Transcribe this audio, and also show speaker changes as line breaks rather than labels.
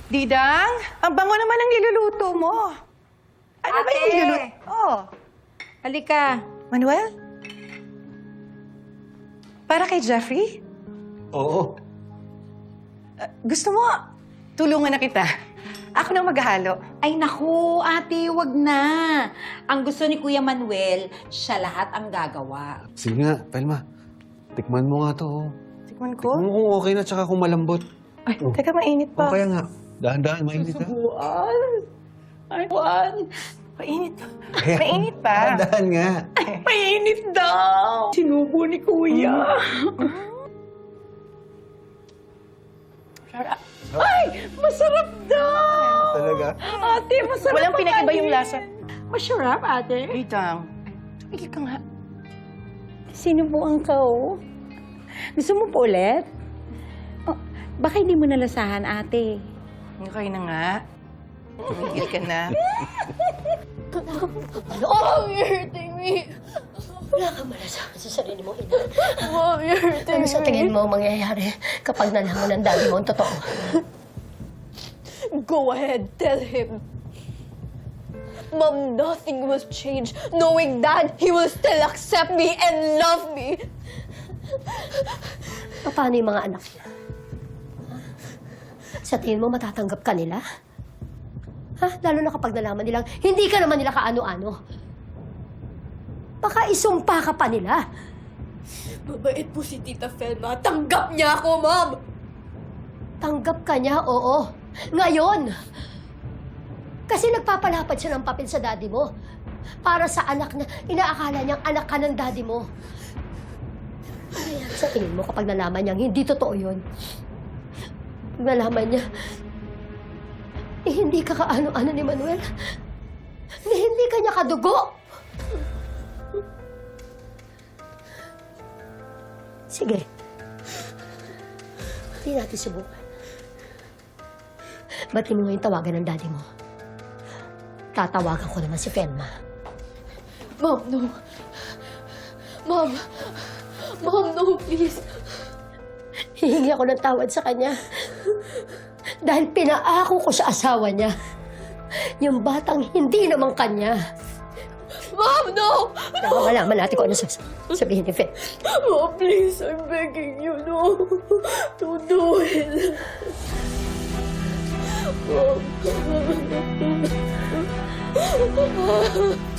Didang, ang bango naman ang niluluto mo. Ano ba yung niluluto? Oh.
Halika.
Manuel? Para kay Jeffrey?
Oo.
Gusto mo, tulungan na kita. Ako nang maghahalo.
Ay naku, ate, wag na. Ang gusto ni Kuya Manuel, siya lahat ang gagawa.
Sige nga, Pelma. Tikman mo nga to. Oh.
Tikman ko.
Tikman mo kung okay na tsaka kung malambot.
Ay, teka, mainit
O
pa.
kaya nga, dahan-dahan, mainit ha.
Ay, Juan. Mainit.
Kaya,
Mainit pa.
Dahan-dahan nga.
Mainit daw. Sinubo ni Kuya. Sarap. Ay, masarap daw.
Talaga?
Ate, masarap.
Walang pinag-iba yung lasa.
Masarap, ate.
Didang, tumigil ka nga.
Sinubuan ka, oh. Gusto mo po ulit? Oh, baka hindi mo nalasahan, ate.
Okay na nga. Tumigil ka na.
Oh, you're hurting me. Wala kang malasahan sa sarili mo, ina. Mom, you're hurting me. Ano sa tingin mo mangyayari kapag nalaman ng daddy mo ang totoo? Go ahead, tell him. Mom, nothing will change. Knowing that, he will still accept me and love me. Paano yung mga anak niya? Sa tingin mo, matatanggap ka nila? Ha? Lalo na kapag nalaman nilang hindi ka naman nila kaano-ano. Baka isumpa ka pa nila. Mabait po si Tita Felma. Tanggap niya ako, Mom! Tanggap ka niya, oo. Ngayon! Kasi nagpapalapad siya ng papel sa daddy mo. Para sa anak niya, inaakala niyang anak ka ng daddy mo. Ano nangyayari sa tingin mo kapag nalaman niyang hindi totoo yun? Pag nalaman niya, hindi ka kaano-ano ni Manuel. Hindi ka niya kadugo. Sige. Hindi natin subukan. Ba't mo ngayon tawagan ng daddy mo? Tatawagan ko naman si Felma. Mom, no. Mom. Mom, no, please. Hihingi ako ng tawad sa kanya. Dahil pinaako ko sa asawa niya. Yung batang hindi naman kanya. Mom, no! Kaya malaman natin kung ano sabihin ni Fe. Mom, please, I'm begging you, no. Don't do it. Mom.